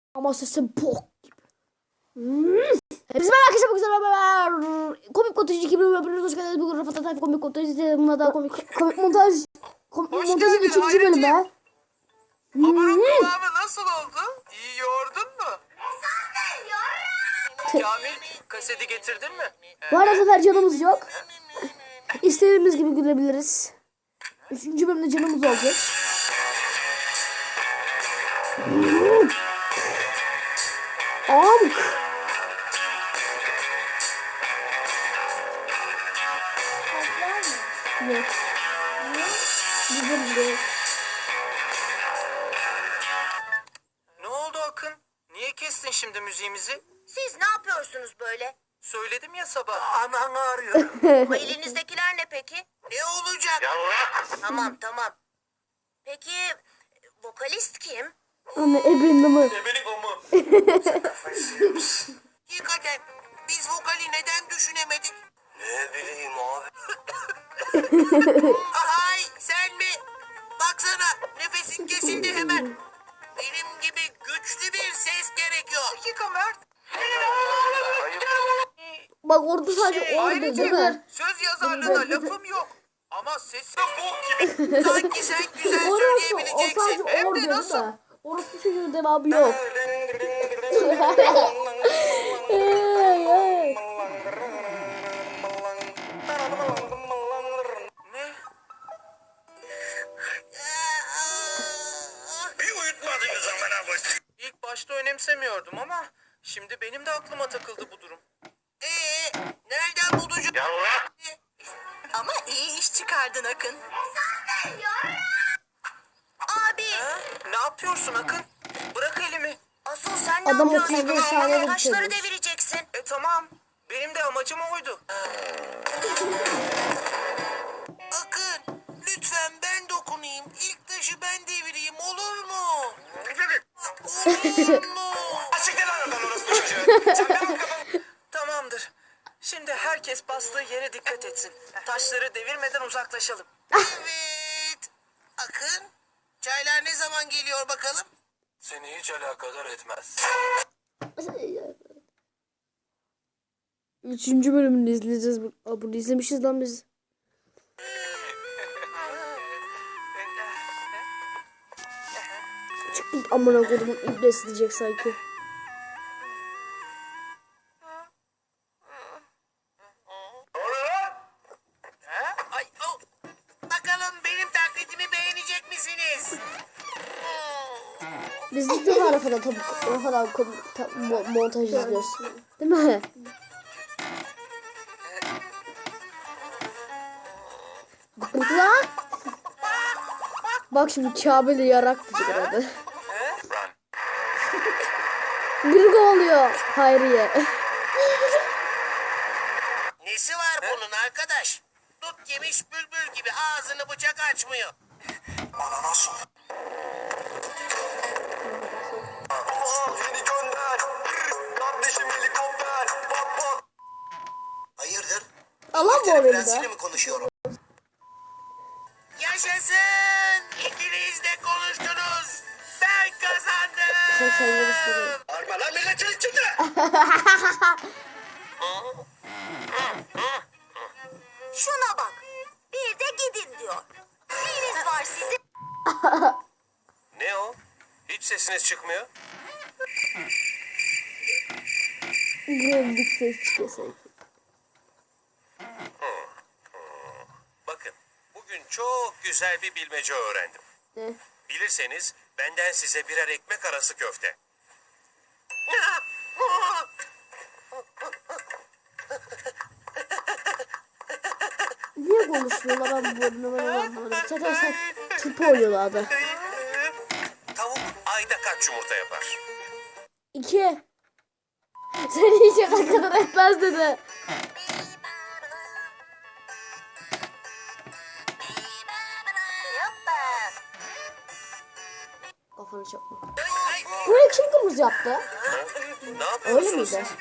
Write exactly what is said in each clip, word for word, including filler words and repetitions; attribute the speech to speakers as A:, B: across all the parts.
A: Ama sesi bok gibi. Hmm. Hepsi merak etme güzel haber. Komik montaj iki bin yapıyoruz. Hoş geldiniz. Bugün Rafat Atay komik montaj. Buna da komik komik montaj. Komik
B: Hoş
A: montajın
B: geldin,
A: ikinci bölümü.
B: Hayretciğim. Hamurun
A: Hmm.
B: kıvamı nasıl oldu? İyi yoğurdun mu? Kamil, kaseti getirdin mi?
A: Bu arada sefer canımız yok. İstediğimiz gibi gülebiliriz. Üçüncü bölümde canımız olacak. Amk. Yok. Güzel değil.
B: Ne oldu Akın? Niye kestin şimdi müziğimizi?
C: Siz ne yapıyorsunuz böyle?
B: Söyledim ya sabah. Anan ağrıyor.
C: Bu elinizdekiler ne peki?
B: Ne olacak?
C: Tamam tamam. Peki vokalist kim?
A: Anne ebenin ama.
B: Ebelik o mu? Hakikaten biz vokali neden düşünemedik? Ne bileyim abi. Ay sen mi? Baksana nefesin kesildi hemen. Benim gibi güçlü bir ses gerekiyor. Dakika Mert.
A: Bak orada sadece
B: Şey,
A: orada
B: ayrıca
A: değil mi?
B: söz yazarlığına lafım yok. Ama sesin bok gibi. Sanki sen güzel
A: Orası o
B: söyleyebileceksin.
A: sadece
B: Hem
A: orada
B: de
A: değil
B: nasıl?
A: mi? Orası bir çocuğun devamı yok.
B: Ne? Bir uyutmadınız amına koyayım. İlk başta önemsemiyordum ama şimdi benim de aklıma takıldı bu durum. Ee, nereden bulucu?
C: Ama iyi iş çıkardın Akın. Abi
B: Ha? Ne yapıyorsun Akın? Bırak elimi.
C: asıl sen ne
A: Adam
C: yapıyorsun?
A: otuz beş saniyede
C: Taşları
A: bitirmiş.
C: devireceksin.
B: E tamam. Benim de amacım oydu. Akın, lütfen ben dokunayım. İlk taşı ben devireyim, olur mu? Olur mu? Açık lan oradan orası çocuğu. Tamamdır. Şimdi herkes bastığı yere dikkat etsin. Taşları devirmeden uzaklaşalım. Evet. Akın, çaylar ne zaman geliyor bakalım? Seni hiç alakadar etmez.
A: Üçüncü bölümünü izleyeceğiz. Aa, bunu izlemişiz lan biz. Şu ilk amına kodumun iblesi diyecek sanki.
B: Ha? Ay, oh. Bakalım benim taklidimi beğenecek misiniz?
A: Biz ilk defa Rafa'da tabii Rafa'dan kom- ta- mo- montaj izliyoruz. Değil mi? Bak lan. Bak şimdi Kabe'li yarak diyecek herhalde. Bir oluyor Hayriye.
B: Nesi var bunun arkadaş? Dut yemiş bülbül gibi ağzını bıçak açmıyor. Bana nasıl? Beni gönder. Kardeşim helikopter. Pat pat. Hayırdır?
A: Allah mı oluyor bir daha?
B: mi konuşuyorum? Yaşasın! İkiniz de konuştunuz. Ben kazandım.
A: Sen sen yarıştırıyorsun.
B: Arma lan milletin içinde.
C: Şuna bak. Bir de gidin diyor. Neyiniz var sizin?
B: Ne o? Hiç sesiniz çıkmıyor.
A: Buraya bir ses çıkıyor sanki.
B: Bakın, bugün çok güzel bir bilmece öğrendim.
A: Ne?
B: Bilirseniz benden size birer ekmek arası köfte.
A: Niye konuşmuyorlar ben bu bölümde ben onu anlamadım. Zaten sen tıp oluyorlar da.
B: Tavuk ayda kaç yumurta yapar?
A: İki. Sen yiyecek ne kadar etmez dedi. Kafanı çakma. Burayı kim kırmızı yaptı?
B: Ne
A: Öyle
B: yapıyorsunuz?
A: miydi?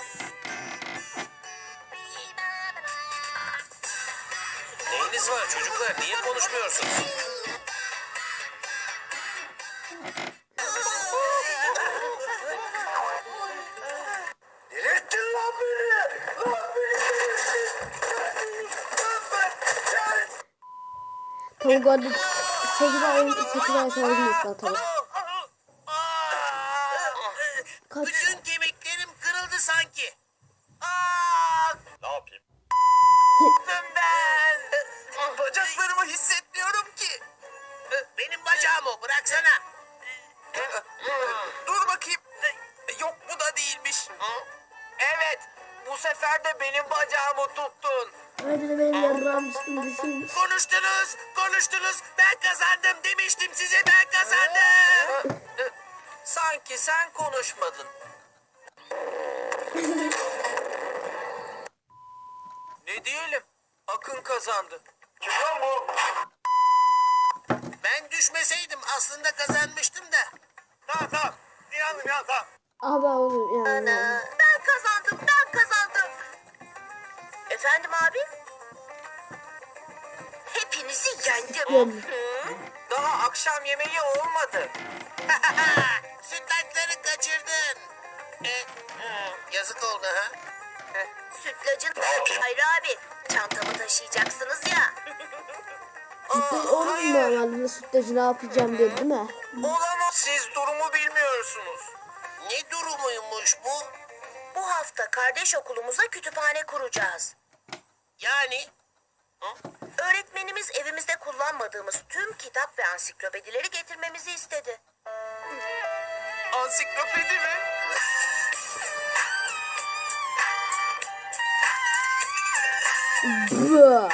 B: Neyiniz var çocuklar? Niye konuşmuyorsunuz?
A: Tolga'da sekiz ay sekiz ay sonra yumurtlar tabii. Kaç?
B: Bütün kemiklerim kırıldı sanki. Aa! Ne yapayım? ben. Bacaklarımı hissetmiyorum ki. Benim bacağım o, bıraksana. Dur bakayım. Yok, bu da değilmiş. Evet, bu sefer de benim bacağımı tuttun.
A: Hadi de benim yarrağım düşün.
B: Konuştunuz, konuştunuz. Ben kazandım demiştim size, ben kazandım. Sanki sen konuşmadın. Ne diyelim? Akın kazandı. Kim lan bu? Ben düşmeseydim aslında kazanmıştım da. Tamam tamam. İnandım ya tamam.
A: Abi oğlum yani.
C: Ben kazandım, ben kazandım. Efendim abi? Hepinizi yendim.
B: Daha akşam yemeği olmadı. Sütlaçları kaçırdın. E, hı, yazık oldu ha.
C: Sütlacın... Hayır abi, çantamı taşıyacaksınız ya.
A: Sütlaç oğlum normalde sütlacı ne yapacağım dedi değil mi?
B: Olamaz. Siz durumu bilmiyorsunuz. Ne durumuymuş bu?
C: Bu hafta kardeş okulumuza kütüphane kuracağız.
B: Yani?
C: Öğretmenimiz evimizde kullanmadığımız tüm kitap ve ansiklopedileri getirmemizi istedi.
B: Ansiklopedi mi?
A: Bıh.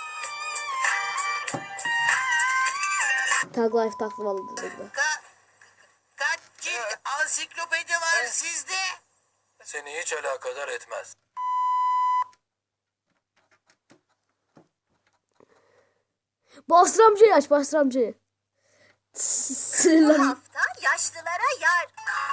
A: Tag life taklamalı dedi.
B: Ka kaç cilt ansiklopedi var sizde? Seni hiç alakadar etmez.
A: Bastır amcayı aç, bastır amcayı.
C: Bu
A: Sinirlendim.
C: hafta yaşlılara yar...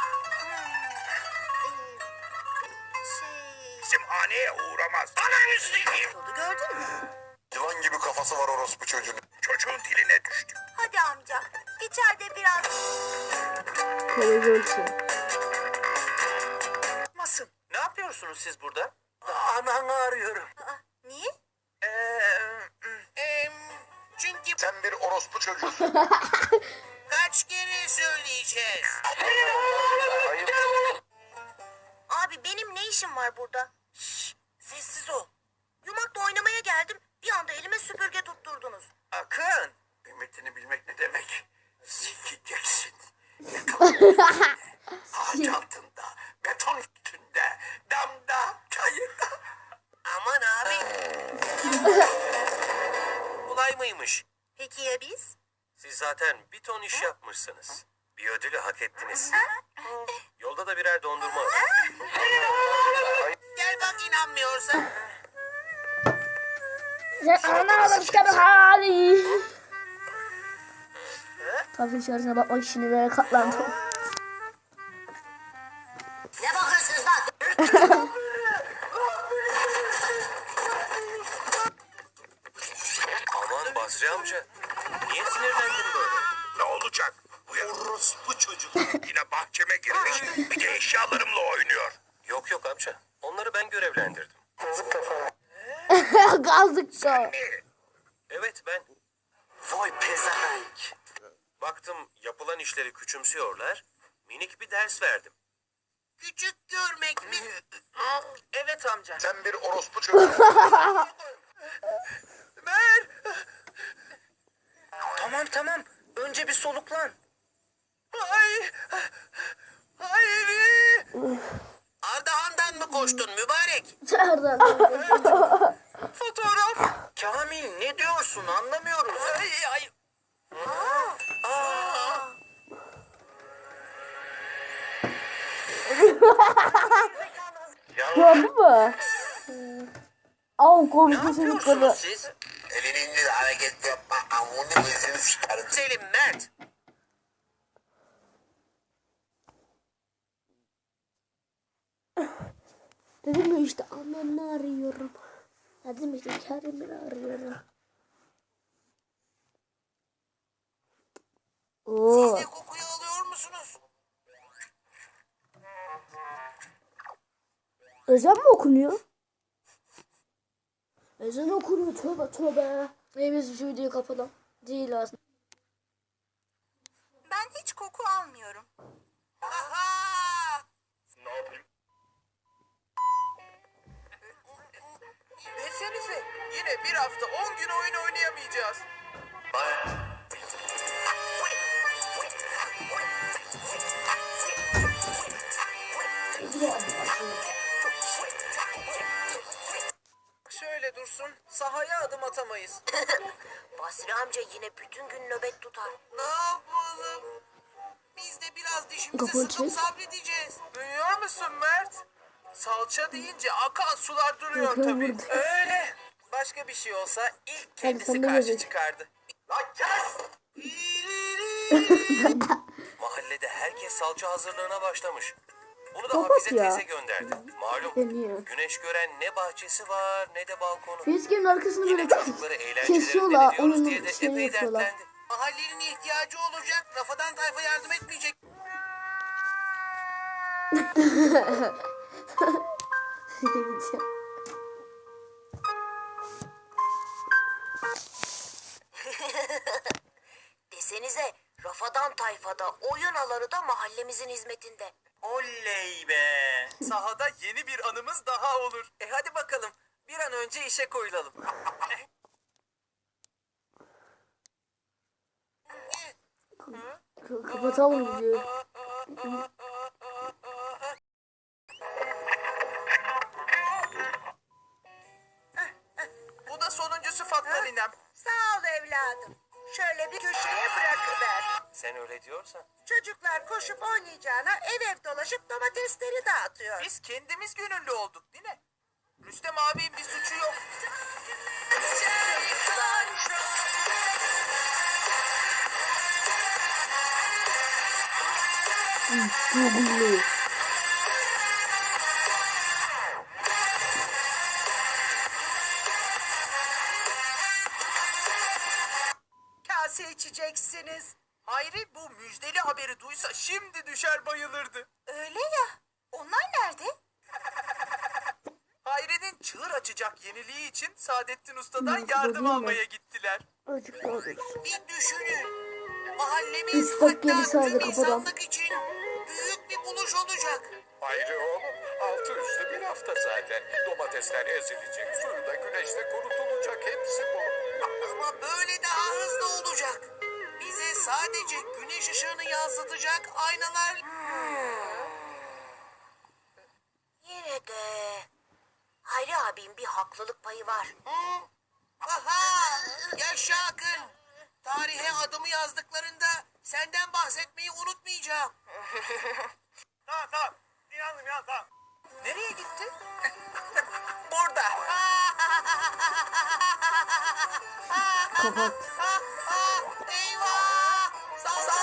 C: Şey...
B: Simhaneye uğramaz. Ananı sikeyim.
C: Oldu, gördün mü?
D: Yılan gibi kafası var orospu çocuğun.
B: Çocuğun diline düştü.
C: Hadi amca, içeride biraz...
A: Televizyon için.
B: Masın. Ne yapıyorsunuz siz burada? Ananı arıyorum.
C: Aa, niye?
B: Ee, çünkü
D: Sen bir orospu çocuğusun.
B: kaç kere söyleyeceğiz?
C: Abi benim ne işim var burada?
B: Şşş, sessiz ol.
C: Yumakla oynamaya geldim, bir anda elime süpürge tutturdunuz.
B: Akın. Kıymetini bilmek ne demek? Sikeceksin. Ağaç altında, beton üstünde, damda, çayırda. Aman abi. Kolay mıymış?
C: Peki ya biz?
B: Siz zaten bir ton iş yapmışsınız. Bir ödülü hak ettiniz. Yolda da birer dondurma alın. Gel bak, inanmıyorsan.
A: Sen ana başka bir hali. Tabii içerisine bakmak için nereye katlandım.
C: Ne bakıyorsunuz lan?
B: Aman Basri amca. Niye sinirlendin böyle? Ne olacak? Bu ya orospu çocuk. Yine bahçeme girmiş. Bir de eşyalarımla oynuyor. Yok yok amca. Onları ben görevlendirdim.
A: Kaldıkça.
B: Evet ben. Vay pezevenk. Baktım yapılan işleri küçümsüyorlar. Minik bir ders verdim. Küçük görmek mi? Evet amca.
D: Sen bir orospu çocuğusun.
B: Ver. Tamam tamam. Önce bir soluklan. Ay. Hayır. Ardahan'dan mı koştun mübarek?
A: Nereden?
B: Fotoğraf. Kamil ne diyorsun anlamıyoruz. Ay ay. Aa.
A: Gördün mü? Av
B: Ne
A: konuşma çocukları.
B: yapıyorsunuz siz?
D: Elini indir hareket yapma. Amını gözünü sikerim.
B: Selim Mert.
A: Dedim ya işte annemle arıyorum. Dedim işte Kerim'i arıyorum. Oo.
B: Siz de kokuyu alıyor musunuz?
A: Ezan mı okunuyor? Ezan okunuyor, tövbe tövbe. Ey biz şu videoyu kapatalım. Değil aslında.
C: Ben hiç koku almıyorum.
B: Aha!
D: Ne yapayım?
B: Desenize yine bir hafta on gün oyun oynayamayacağız. Şöyle dursun, sahaya adım atamayız.
C: Basri amca yine bütün gün nöbet tutar.
B: Ne yapalım? Biz de biraz dişimize
A: Kafanı
B: sıkıp
A: çek.
B: sabredeceğiz. Duyuyor musun Mert? Salça deyince akan sular duruyor
A: Yok, yok,
B: tabii.
A: burada.
B: Öyle. Başka bir şey olsa ilk kendisi
A: sen de
B: karşı
A: görecek.
B: çıkardı. Lan kes! Mahallede herkes salça hazırlığına başlamış. Bunu da
A: Kapat
B: Hafize
A: ya.
B: teyze gönderdi. Malum
A: Deniyor.
B: güneş gören ne bahçesi var ne de balkonu.
A: Facecam'in arkasını böyle
B: Çocukları eğlencelerinde
A: kesiyorlar.
B: ediyoruz
A: Onun
B: diye de
A: şeyini
B: epey
A: yapıyorlar.
B: dertlendi. Mahallenin ihtiyacı olacak. Rafadan tayfa yardım etmeyecek.
C: Desenize Rafadan tayfada oyun alanı da mahallemizin hizmetinde.
B: Oley be. Sahada yeni bir anımız daha olur. E hadi bakalım. Bir an önce işe koyulalım.
A: Kapatalım diyor.
B: Bu da sonuncusu Fatma ninem.
C: Sağ ol evladım. Şöyle bir köşeye bırakıver.
B: Sen öyle diyorsan.
C: Çocuklar koşup oynayacağına ev ev dolaşıp domatesleri dağıtıyor.
B: Biz kendimiz gönüllü olduk değil mi? Rüstem abinin bir suçu yok.
A: Google'lu.
C: Kase içeceksiniz.
B: Hayri bu müjdeli haberi duysa şimdi düşer bayılırdı.
C: Öyle ya. Onlar nerede?
B: Hayri'nin çığır açacak yeniliği için Saadettin Usta'dan
A: Hmm,
B: yardım
A: değil mi?
B: almaya gittiler.
A: Azıcık daha dur.
B: Bir düşünün. Mahallemiz
A: Üç dakika, bir
B: hatta
A: saniye
B: tüm
A: kapatalım.
B: insanlık için büyük bir buluş olacak.
D: Hayri oğlum, altı üstü bir hafta zaten. Domatesler ezilecek, suyu da güneşte kurutulacak. Hepsi bu.
B: Ama böyle daha hızlı olacak. Bize sadece güneş ışığını yansıtacak aynalar...
C: Yine de Hayri abim bir haklılık payı var.
B: Hı? Aha! Yaşa Akın! Tarihe adımı yazdıklarında senden bahsetmeyi unutmayacağım. Tamam tamam. İnandım ya tamam. Nereye gitti? Burada.
A: Kapat.